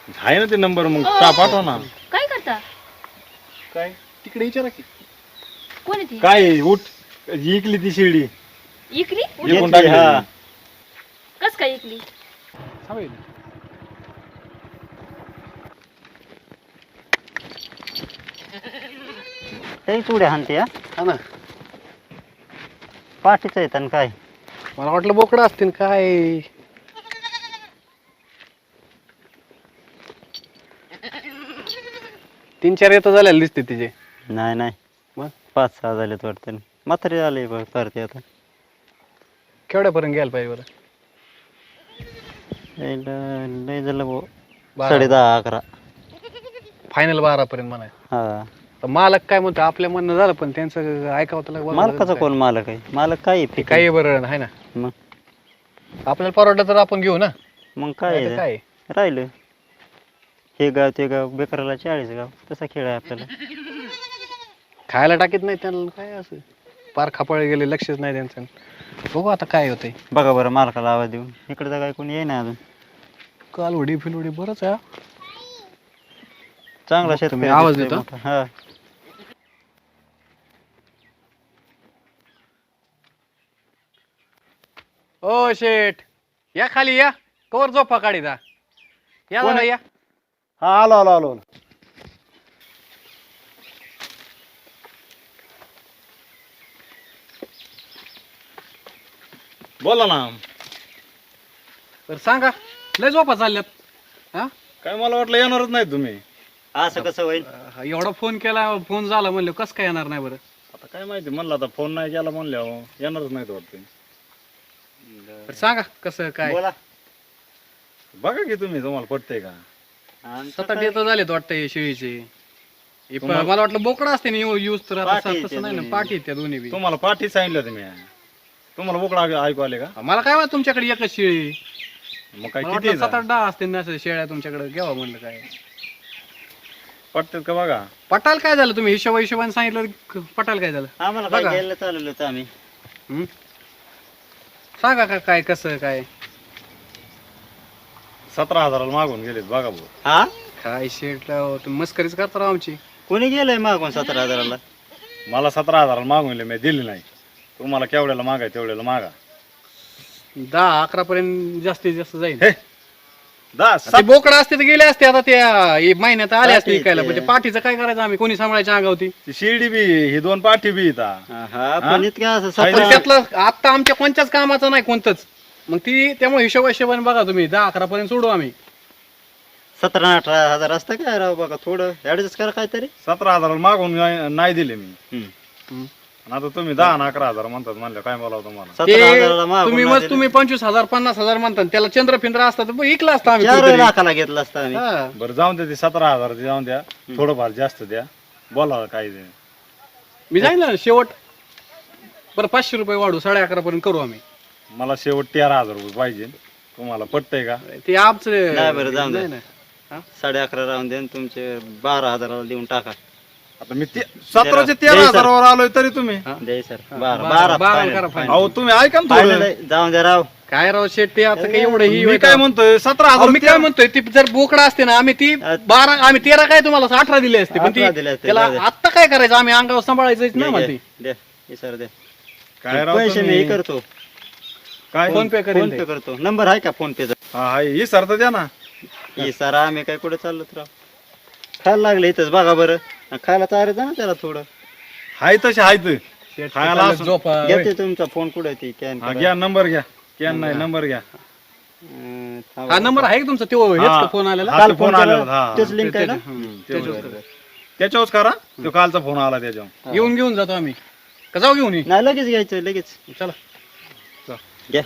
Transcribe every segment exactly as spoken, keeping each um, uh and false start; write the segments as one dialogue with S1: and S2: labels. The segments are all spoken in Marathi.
S1: आहे ना ते नंबर मग टा पाठवा ना.
S2: काय करता?
S3: काय तिकडे विचारा की
S2: कोण आहे ती?
S1: काय उठ इकली ती शिर्डी
S2: इकली?
S1: विकून टाकली.
S3: हा.
S2: कस काय इकली?
S3: थांबेल.
S4: ते चुड्या हाणते हा
S3: हा ना
S4: पाठीच आहेत आणि काय
S3: मला वाटलं बोकडं असतील काय. तीन चार येतं झालेले दिसते तिचे.
S4: नाही नाही
S3: मग
S4: पाच सहा झालेत वाटतं म्हातारे आले बघ करते आता
S3: केवढ्यापर्यंत घ्यायला पाहिजे बरं?
S4: लय लय झालं भाऊ
S3: बारा.
S4: साडे दहा अकरा
S3: फायनल बारा पर्यंत म्हणाय.
S4: हा
S3: तर मालक काय म्हणतो आपल्या म्हणणं झालं पण त्यांचं ऐकावं तर लागलं.
S4: मालकाचा कोण मालक आहे मालक काय
S3: ते काही बरं आहे ना.
S4: मग
S3: आपल्याला परवडलं तर आपण घेऊ ना.
S4: मग काय
S3: नाही तर
S4: आहे?
S3: काय
S4: राहिलं हे गाव ते गाव बेकाराला चाळीस गाव तसा खेळ आहे आपल्याला
S3: खायला टाकीत नाही त्यांना काय असं पार खापाळे गेले लक्षच नाही त्यांचं. बघू आता काय होतंय.
S4: बघा बरं मालकाला आवाज देऊन इकडे तर काय कोणी येईना अजून
S3: कालवडी फिलवडी बरंच आहे हा.
S4: चांगला
S3: बघतो मी,
S4: शेतकरी
S3: आवाज
S4: दिसतोय
S3: देतो.
S4: मोठा. हा
S3: ओ शेठ या खाली या कवर झोपा काढी दा या
S1: कोण
S3: जरा
S1: आहे?
S3: या.
S1: हा आलो आलो आलो. बोला ना.
S3: तर सांगा लय झोपा चालल्यात हा.
S1: काय मला वाटलं येणारच नाही तुम्ही.
S4: असं कसं होईल
S3: अं, एवढा फोन केला फोन झाला म्हणलं कसं काय येणार नाही बरं?
S1: आता काय माहिती म्हणलं आता फोन नाही केला म्हणल्यावर येणारच नाही वाटतं.
S3: तर सांगा कसं काय.
S4: बोला
S1: बघा की तुम्ही तुम्हाला पटतंय का.
S3: सात आठ येतं झालेत वाटतं हे शेळीचे. हे प-
S1: तुम्हाला-
S3: मला वाटलं बोकडा असते ना यूज तर आता
S4: पाठी
S3: तसं
S4: आहेत
S3: नाही ना
S4: त्या
S3: पाठी आहेत त्या दोन्ही बी.
S1: तुम्हाला पाठी सांगितलं तुम्ही. तुम्हाला बोकडा ऐकू आले का.
S3: मला काय माहित तुमच्याकडे एकच शेळी.
S1: मग काय
S3: मला
S1: किती
S3: वाटलं सात आठ दहा असते ना असं शेळ्या तुमच्याकडे घ्यावा म्हणलं काय.
S1: पटतात का बघा.
S3: पटाल काय झालं तुम्ही हिशोबा हिशोबाने सांगितलं क- पटाल काय झालं.
S4: आम्हाला काय
S3: बघा.
S4: घ्यायला चालवलं होतं आम्ही
S3: हम्म? सांगा का काय कसं काय.
S1: सतरा हजाराला मागून गेलेत बघा भाऊ.
S4: हा
S3: काय शेटला तुम्ही मस्करीच करता राव आमची.
S4: कोणी गेलंय मागून सतरा हजाराला
S1: मला सतरा हजाराला मागून गेले मी दिले नाही. तुम्हाला केवढ्याला मागाय तेवढ्याला मागा.
S3: दहा अकरा पर्यंत जास्तीत जास्त जाईल.
S1: हे दहा
S3: ते
S1: सात
S3: बोकडा असते तर गेले असते आता त्या हे महिन्यात आले असते
S4: पाठी
S3: विकायला
S4: ते.
S3: पण ते पाठीचं काय करायचं आम्ही कोणी सांभाळायची अंगावती.
S1: ती शिर्डी बी ही दोन पाठी बी इथं.
S4: हा पण इतक्या असं
S1: आहे
S3: पण
S4: सतरा
S3: त्यातलं आता आमच्या कोणत्याच कामाचं नाही कोणतंच. मग ती त्यामुळे हिशोबा हिशोबाने बघा तुम्ही दहा अकरा पर्यंत सोडू आम्ही.
S4: सतरा अठरा हजार असतं काय राव बघा थोडं ऍडजस्ट करा काहीतरी
S1: सतरा हजाराला मागून नाही- नाही दिले मी.
S4: हम्म.
S1: आणि आता तुम्ही दहा आणि अकरा हजार म्हणतात म्हणलं काय बोलावं तुम्हाला.
S4: सतरा हजाराला
S3: ते
S4: मागून
S3: तुम्ही
S4: नाही
S3: मग
S4: दिले.
S3: तुम्ही पंचवीस हजार पन्नास हजार म्हणतात त्याला चंद्र फिंद्र असतात तर इकला असता आम्ही
S4: चार
S3: कुठेतरी.
S4: लाखाला घेतला असता आम्ही
S3: हा.
S1: बरं जाऊन द्या ते सतरा हजार ते जाऊन द्या. थोडंफार जास्त द्या. बोला काय ते.
S3: मी जाईल ना शेवट बरं पाचशे रुपये वाढू साडे अकरा पर्यंत करू आम्ही.
S1: मला शेवट तेरा हजार रुपये पाहिजे. तुम्हाला पटतंय का.
S3: ते आमचं
S4: नाही बरं, जाऊन द्या.
S3: नाही ना. हा?
S4: साडे अकरा राहून द्या आणि तुमचे बारा हजाराला देऊन टाका
S1: आता मी ते सतराचे तेरा
S4: द्यायचं.
S1: हजारावर आलोय तरी तुम्ही.
S4: द्याय सर
S3: हा,
S4: बारा
S3: बारा-
S4: बारा
S3: बारा
S4: final,
S3: करा
S4: final.
S3: final.
S1: अहो तुम्ही ऐका ना
S4: Final
S1: थोडं.
S4: आहे, जाऊन द्या राव
S3: काय राव शेट ते आता काही एवढं ही
S1: मी काय म्हणतोय सतरा
S3: अहो,
S1: हजार
S3: मी काय म्हणतोय ती जर बोकडा असते ना आम्ही ती
S4: अ-
S3: बारा आम्ही तेरा काय तुम्हाला अठरा दिले असते पण ती
S4: अठरा दिले असते,
S3: त्याला
S4: जाऊ दे.
S3: आता काय करायचं आम्ही अंगावर सांभाळायचंच ना
S4: द्या,
S3: म्हणते.
S4: द्या हे सर द्या
S1: काय राव
S4: पैसे मी
S1: तुम्ही.
S4: हे करतो
S1: काय
S3: फोन पे करेल
S4: फोन
S3: ते.
S4: पे करतो नंबर आहे का फोन पेचा
S1: हा हाय ही सरत द्या ना.
S4: हे सर आम्ही काय कुठे चाललो राव खायला लागले इथंच बघा बरं आणि खायला चालत ना त्याला थोडं
S1: हाय तसे हायत.
S3: शेट
S1: खायला
S3: चाललं
S1: असं-
S3: झोपा होय.
S4: घेते तुमचा फोन कुठे ती कॅन
S1: हा घ्या नंबर घ्या. कॅन नाही नंबर घ्या.
S3: हा नंबर आहे का तुमचा तो हेच
S1: हा.
S3: का फोन आलेला.
S1: हा,
S4: काल
S1: ते
S4: फोन
S1: फोन
S4: आला
S1: आलेला, हा.
S4: तेच लिंक आहे ना
S3: हम्म,
S1: तेवढं.
S3: त्याच्यावर करा.
S1: त्याच्यावरच करा. तो कालचा फोन आला त्याच्यावर.
S3: येऊन घेऊन जातो आम्ही का जाऊ घेऊन ये?
S4: नाही लगेच घ्यायचं लगेच
S3: चला
S4: घ्या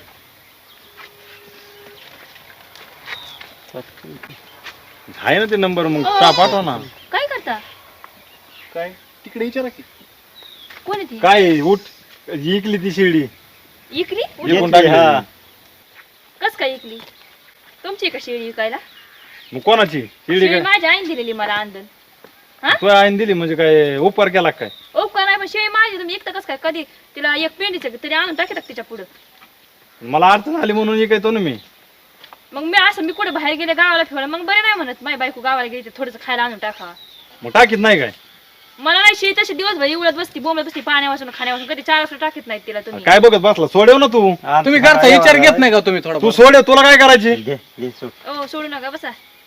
S1: आहे ना ते नंबर मग टा पाठवा ना.
S2: काय करता?
S3: काय तिकडे विचारा की.
S2: कोण आहे ती?
S1: काय उठ इकली ती शिर्डी
S2: इकली?
S1: विकून
S4: घेतली,
S1: टाकली.
S4: हा.
S2: कस काय इकली? तुमची का शेळी विकायला?
S1: मग कोणाची शिर्डी
S2: शेळी
S1: काय
S2: माझ्या आईने दिलेली मला अंदन.
S1: तू आईन दिली म्हणजे काय उपकार केला का काय.
S2: उपकार नाही पण शेळी माझी तुम्ही एकटं कस काय कधी तिला एक पेंडीचं तरी आणून टाकतात तिच्या पुढं.
S1: मला अडचण आली म्हणून इकायतो ना मी.
S2: मग मी असं मी कुठे बाहेर गेले गावाला फिरवलं मग बरे नाही म्हणत माझी बायको गावाला गेली थोडंसं खायला आणून टाका.
S1: मग टाकीत नाही काय
S2: मला नाही शेत तशी दिवसभर उडत बसती बोंबत बसती पाण्यापासून खाण्यापासून कधी चार वाजता टाकीत नाही तिला तुम्ही.
S1: काय बघत बसला सोडेव ना तू
S3: तुम्ही घरचा विचार घेत नाही का तुम्ही थोडा
S1: तू सोडे तुला काय करायची
S4: घे घे सोड.
S2: ओ सोडू नका बसा.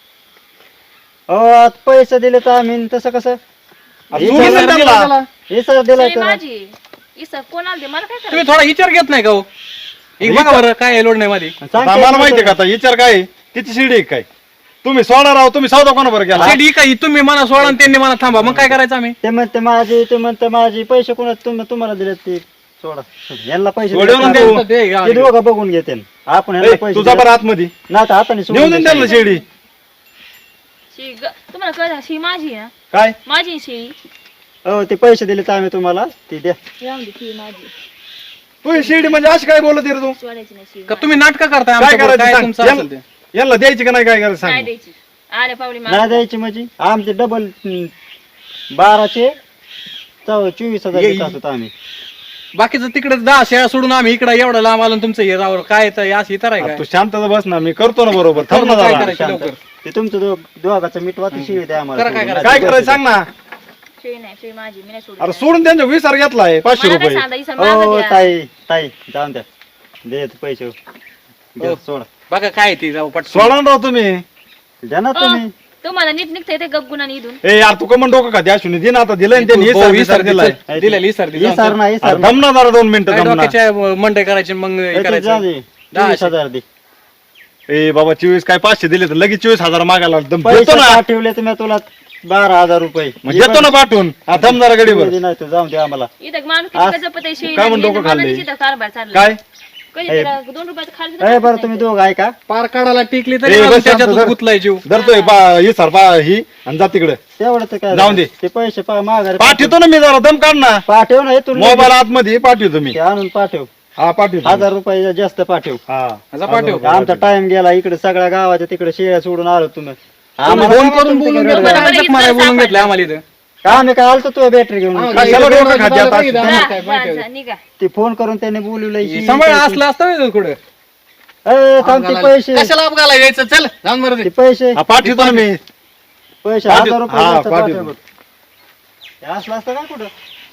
S4: अहो आज पैसे दिले तर आम्ही तसं कसं
S1: आता सोडून दे त्यांना.
S4: हे सर दिलाय
S2: शेळी
S4: तर
S2: माझी इसं कोणाला दे मला काय
S3: तुम्ही
S2: करायचं.
S3: थोडा विचार घेत नाही का हो एक बघा बरं काय आहे लोड नाही मध्ये
S1: आता आम्हाला माहितीये का आता विचार काय आहे? तिची शिडी आहे काय तुम्ही सोडा राव तुम्ही सौदा कोणा बरं केला
S3: शेडी काय तुम्ही मला सोडा आणि त्यांनी मला थांबा मग काय करायचं आम्ही
S4: ते म्हणते माझे ते म्हणते माझे पैसे कोणा तुम्ही तुम्हाला दिले ते सोडा यांना पैसे
S1: सोडव
S4: दिले
S1: ना
S4: तर
S1: तू.
S3: ते
S4: ते दोघं बघून घेते आपण यांना
S1: ए,
S4: पैसे
S1: तुझा
S4: दिले.
S1: बरं आतमध्ये
S4: नाही तर हाताने सोडून
S1: नेऊन दे
S4: द्यायचं.
S1: त्यांना शिडी
S2: शी ग- तुम्हाला कळलं शी माझी आहे ना
S1: काय
S2: माझी आहे शेळी.
S4: हो ते पैसे दिले तर आम्ही तुम्हाला ते द्या
S2: राहून दे शेळी माझी
S1: तू शिडी म्हणजे अशी काय बोलत आहे रे तू
S2: सोडायची नाही शेळी
S3: का तुम्ही नाटक करताय
S1: काय
S3: आमच्याबरोबर? काय
S1: करायचं
S3: तुमचं
S1: सांग
S3: असेल ते
S1: यांना- यांना द्यायची का नाही काय करायचं
S2: नाही
S1: सांग
S2: द्यायची. आले पावली
S4: नाही
S2: माग
S4: द्यायची म्हणजे आमचे डबल बाराचे चौ- चोवीस हजार
S3: ये-
S4: देत असतो आम्ही.
S3: बाकीचं तिकडे दहा शेळ्या सोडून आम्ही इकडे एवढं लांब आलो आणि तुमचं हे रावर काय तर असं इतर आहे
S1: आता
S3: काय
S1: तू शांतता बस ना मी करतो ना बरोबर थांब ना
S3: काय
S1: जरा.
S3: करायचं
S4: शांत.
S3: लवकर?
S4: ते तुमचं दो- दोघाचं मिटवा ती शिवी द्या आम्हाला
S3: करा काय
S4: सोडून.
S3: करायचं?
S1: काय करायचं सांग ना
S2: शेळी नाही शेळी माझी मी नाही सोडत.
S1: अरे सोडून त्यांचा विसार घेतलाय पाचशे
S2: मला काय
S1: रुपये
S2: सांगता इसं माझं
S4: हो
S2: द्या.
S4: ताई ताई जाऊन द्या दे ते पैसे द्या,
S3: हो.
S4: सोडा
S3: बघा काय ती जाऊ पट
S1: सोडा ना राव तुम्ही
S4: द्या ना
S2: ओ,
S4: तुम्ही
S2: तुम्हाला नीट निघता येते गपगुणाने इथून.
S1: ए यार तू कमन डोकं का द्या शून्य दे ना आता दिलंय ना त्यांनी विसार विसार दिलाय
S3: दिलेली सर
S4: हे सर नाही हे
S1: अरे
S4: सर
S1: थांब ना जरा दोन मिनिटं थांब ना
S3: मंडई करायची मग हे
S4: नाही.
S3: करायचं
S4: जा दे.
S3: दहा
S4: चोवीस हजार दे
S1: ए बाबा चोवीस काय पाचशे दिले तर लगेच चोवीस हजार मागायला दम
S4: पैसे
S1: देतो ना
S4: पाठवले तुम्ही तुला बारा हजार रुपये
S1: मग देतो ना पाठवून हा थांब जरा गडीवर
S4: दे नाही तू जाऊन दे आम्हाला
S2: इथं माणूस
S4: आज-
S2: किती जपत आहे शेळी
S1: काय म्हणतो
S2: नाही,
S1: डोकं खाल्लंय?
S2: मनाने तिथं कारभार चालला.
S1: काय
S2: कधी
S4: ए,
S2: त्याला दोन रुपयाचं खाली सुद्धा
S4: अरे
S2: टाकत
S4: बरं
S2: नाही
S4: तुम्ही
S2: तो.
S4: दोघं ऐका
S3: पार काढायला टिकली
S1: ए,
S3: तरी
S1: बस
S3: अजून
S1: शांत
S3: त्याच्यातच
S1: धर.
S3: गुतलाय जीव
S1: धरतोय बा ही सर बा ही आणि जा तिकडे
S4: तेवढं तर काय
S1: जाऊन दे.
S4: ते पैसे पा माघारी
S1: पाठवतो ना मी जरा दम काढ ना
S4: पाठव ना इथून
S1: मोबाईल आतमध्ये पाठवतो मी
S4: ते आणून पाठव
S1: हा पाठवतो
S4: हजार रुपये जास्त पाठव
S1: हा
S3: जा पाठव.
S4: आमचा टाइम गेला इकडे सगळ्या गावाच्या तिकडे शेळ्या सोडून आलो तुम्ही
S3: आम्हाला
S4: आम्हाला
S3: फोन
S4: काय
S3: करून
S4: तुमचं
S3: बोलून
S4: काय
S3: घेतलं,
S4: रडलं?
S2: बरोबर.
S3: काय मारायला बोलून घेतलं आम्हाला इथं
S4: का आम्ही काय आलतो तुझ्या बॅटरी घेऊन
S3: आम्हाला
S1: कशाला
S3: इकडे
S1: डोकं खाते आता?
S3: पाहिजे,
S2: जा,
S3: आम्हाला काय
S2: जा,
S3: पाहिजे?
S2: जा, निघा.
S4: ते फोन करून त्याने बोलवलंय
S3: सांभाळ असलं असतं व्हय कुठं
S4: ए, थांब ते पैसे
S3: कशाला अपघाला यायचं चल जाऊन बरं
S4: ते
S3: दे.
S4: पैसे
S1: हा पाठवतो ना मी
S4: पैसे
S1: पाठव-
S4: हजार रुपये
S1: हा,
S4: जास्त
S1: पाठव.
S4: पाठव. हे असलं असतं काय कुठं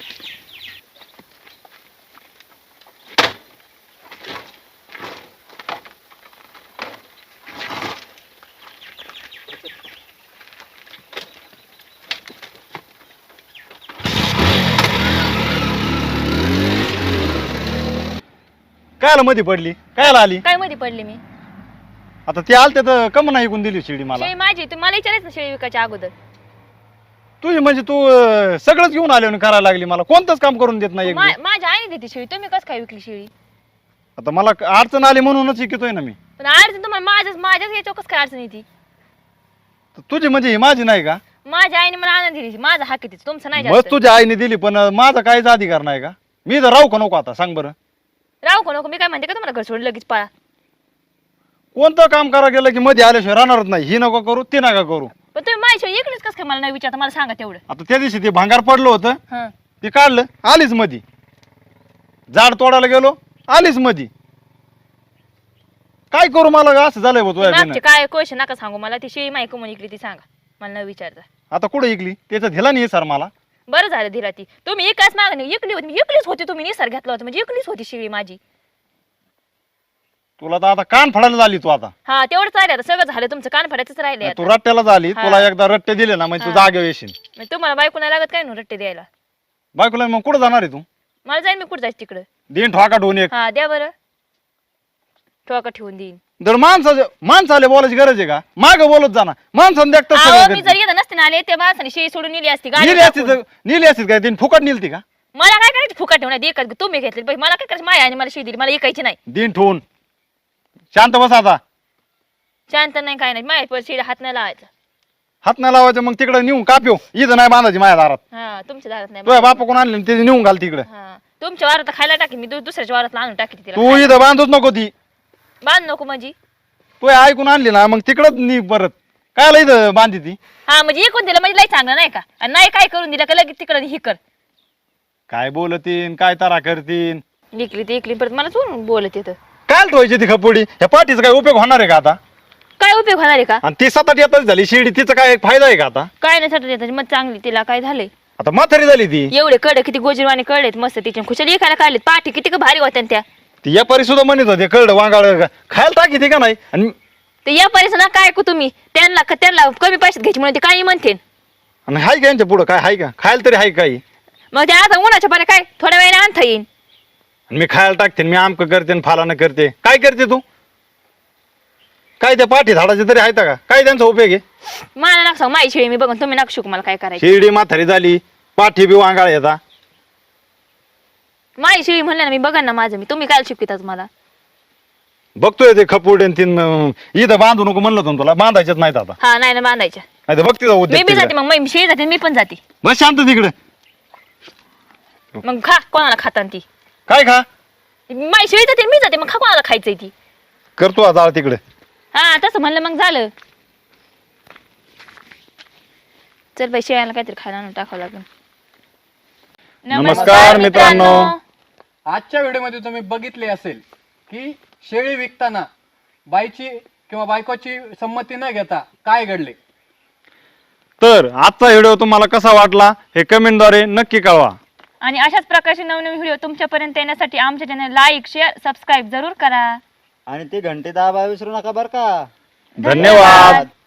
S1: कायला मध्ये पडली कायला आली
S2: काय मध्ये पडले मी
S1: आता ते आलते तर कम नाही ऐकून दिली शिडी मला
S2: शेळी माझी तुम्ही मला विचारायचं ना शेळी विकायच्या अगोदर.
S1: तुझी म्हणजे तू अं, सगळंच घेऊन आले आणि करायला लागली मला कोणतंच काम करून देत नाही एक
S2: मा-
S1: बी.
S2: माझ्या आईने देते शेळी तुम्ही कसं काय विकली शेळी.
S1: आता मला अडचण आली म्हणूनच शिकतोय ना मी
S2: पण अडचण तुम्हाला माझ्याच माझ्याच याच्यावर कसं काय अडचण येते.
S1: तर तुझी म्हणजे ही माझी नाही का
S2: माझ्या आईने मला आनंद दिली माझा हक आहे तिचा, तुमचं नाही
S1: बस
S2: जास्त.
S1: तुझ्या आईने दिली पण अं, माझा काहीच अधिकार नाही का मी तर राहू का नको आता सांग बरं
S2: राहू का नको मी काय म्हणते का तुम्हाला घर सोडून लगेच पळा.
S1: कोणतं काम करा गेलं की मध्ये आल्याशिवाय राहणारच नाही ही नको करू ती नका करू
S2: पण तुम्ही माझ्या शेळी एकलीच कसं काय मला नाही विचारता मला सांगा तेवढं.
S1: आता त्या दिवशी ते भांगार पडलं होतं
S2: हं
S1: ते काढलं आलीच मधी झाड तोडायला गेलो आलीच मधी काय करू मला असं झालंय बघ
S2: मागचे
S1: तुझ्या
S2: काय क्वेश्चन नका सांगू मला ती शेळी माहिती कोण इकली ती सांगा मला न विचारता.
S1: आता कुठे ऐकली त्याचं दिला नाही सर मला
S2: बरं झालं धीरा ती तुम्ही एकाच मागणी एकली होती मी एकलीच होती तुम्ही निसर्ग घेतला होता म्हणजे एकलीच होती शेळी माझी.
S1: तुला तर आता कान फाडायला झाली तू आता
S2: हा तेवढंच राहिलं आता सगळं झालं तुमचं कान फाडायचंच राहिले
S1: तू रट्ट्याला झाली
S2: हा.
S1: तुला एकदा रट्टे दिले ना म्हणजे तू
S2: हा.
S1: जागे येशील
S2: मग तुम्हाला बायको नाही लागत काय ना रट्टे द्यायला.
S1: बायकोला मग कुठं जाणार आहे तू
S2: मला जाईन मी कुठं जायचं तिकडं.
S1: देईन ठोका ठेवून एक
S2: हा द्या बरं ठोका ठेवून देईन.
S1: जर माणसाचं माणसाला बोलायची गरज आहे का माग बोलत जाणार माणसानं
S2: अहो मी
S1: देखत
S2: जर येत नसते ना आले त्या माणसाने शेळी सोडून नेली असती गाडी
S1: निली असती तर निली असती काय तिने फुकट निलती का
S2: मला काय करायची फुकट ठेवण्यात एकच तुम्ही घेतली पाहिजे मला काय करायचं माया आणि मला शेळी दिली मला ऐकायची नाही.
S1: दिन ठेवून शांत बस आता
S2: शांत नाही काय नाही माझ्या शेळी हात नाही लावायचा.
S1: हात नाही लावायचं मग तिकडे नेऊन काप्यो इथं नाही बांधायची माझ्या दारात
S2: हा तुमच्या दारात नाही
S1: तुझ्या बापा कोण आणले ते नेऊन घाल तिकडे
S2: हा तुमच्या वारात खायला टाकी मी दु- दुसऱ्याच्या वारात आणून टाकी तिला
S1: तू इथं बांधूच नको ती
S2: बांध नको माझी.
S1: तू ऐकून आणली ना मग तिकडच नी परत कायला इथं बांधी ती
S2: हा म्हणजे एकूण दिलं म्हणजे लई चांगलं नाही का आणि नाही काय करून दिलं का लगेच तिकडे ही कर
S1: काय बोलतीन काय तारा करतीन
S2: इकली ती इकली परत मला चोरून बोलत येतं.
S1: काय ठेवायची ती खपोडी ह्या पाठीचा काय उपयोग होणार आहे का आता
S2: काय उपयोग होणार आहे का?
S1: आणि ती सात आठ येतच झाली शिर्डी, तिचा काय फायदा आहे का आता?
S2: काय नाही सटत येतात मग चांगली, तिला काय झालंय?
S1: आता म्हातारी झाली ती.
S2: एवढे कडे किती गोजीरवाने कळलेत मस्त तिच्या, खुशाली एकाला काढलेत, पाठी किती का भारी होत्या त्या.
S1: ती व्यापारी सुद्धा म्हणत होते कळलं वांगाळ खायला टाकी ते का नाही. आणि
S2: ते या परिसर ना काय ऐकू तुम्ही, त्यांना त्यांना कमी पैशात घ्यायची म्हणून ते काही म्हणते.
S1: आणि हाय का यांच्या पुढं काय हाय का? खायला तरी हाय काही.
S2: मग ते आता उन्हाच्या पाणी काय थोड्या वेळाने आणता येईल.
S1: आणि मी खायला टाकते मी आमक करते आणि फालानं करते. काय करते तू? काय त्या पाठी झाडाचे तरी आहेत का? काय त्यांचा उपयोग आहे?
S2: मला नका सांग, माझी शिळी मी बघून तुम्ही नका शिकू मला काय करायचं.
S1: शिर्डी म्हातारी झाली, पाठी बी वांगाळ येता.
S2: माझी शिळी म्हणलं ना मी बघा ना माझं मी, तुम्ही काय शिकवितात मला?
S1: बघतोय ते खपूड आणि तीन अं, इथं बांधू नको म्हणलं होतं ना तुला, बांधायचेच नाहीत आता.
S2: हा नाही ना बांधायच्या.
S1: नाही तर बघते
S2: मी बी जाते मग, मी शिळी जाते मी पण जाते.
S1: बस शांत तिकडे.
S2: मग खा कोणाला खाता ती.
S1: काय खा?
S2: माझी शिळी जाते मी जाते, मग खा कोणाला खायचंय ती.
S1: करतो आता तिकडे.
S2: हा तसं म्हणलं मग झालं. चल बाई शेळ्याला काहीतरी खायला आणून टाकावं लागेल.
S1: नमस्कार मित्रांनो.
S3: आजच्या व्हिडिओमध्ये तुम्ही बघितले असेल की शेळी विकताना बाईची किंवा बायकोची संमती न घेता काय घडले.
S1: तर आजचा व्हिडिओ तुम्हाला कसा वाटला हे कमेंटद्वारे नक्की कळवा.
S2: आणि अशाच प्रकारचे नवनवीन व्हिडिओ तुमच्यापर्यंत येण्यासाठी आमच्या चॅनल लाईक शेअर सबस्क्राईब जरूर करा.
S4: आणि ते घंटे दाबा विसरू नका बरं का.
S1: धन्यवाद.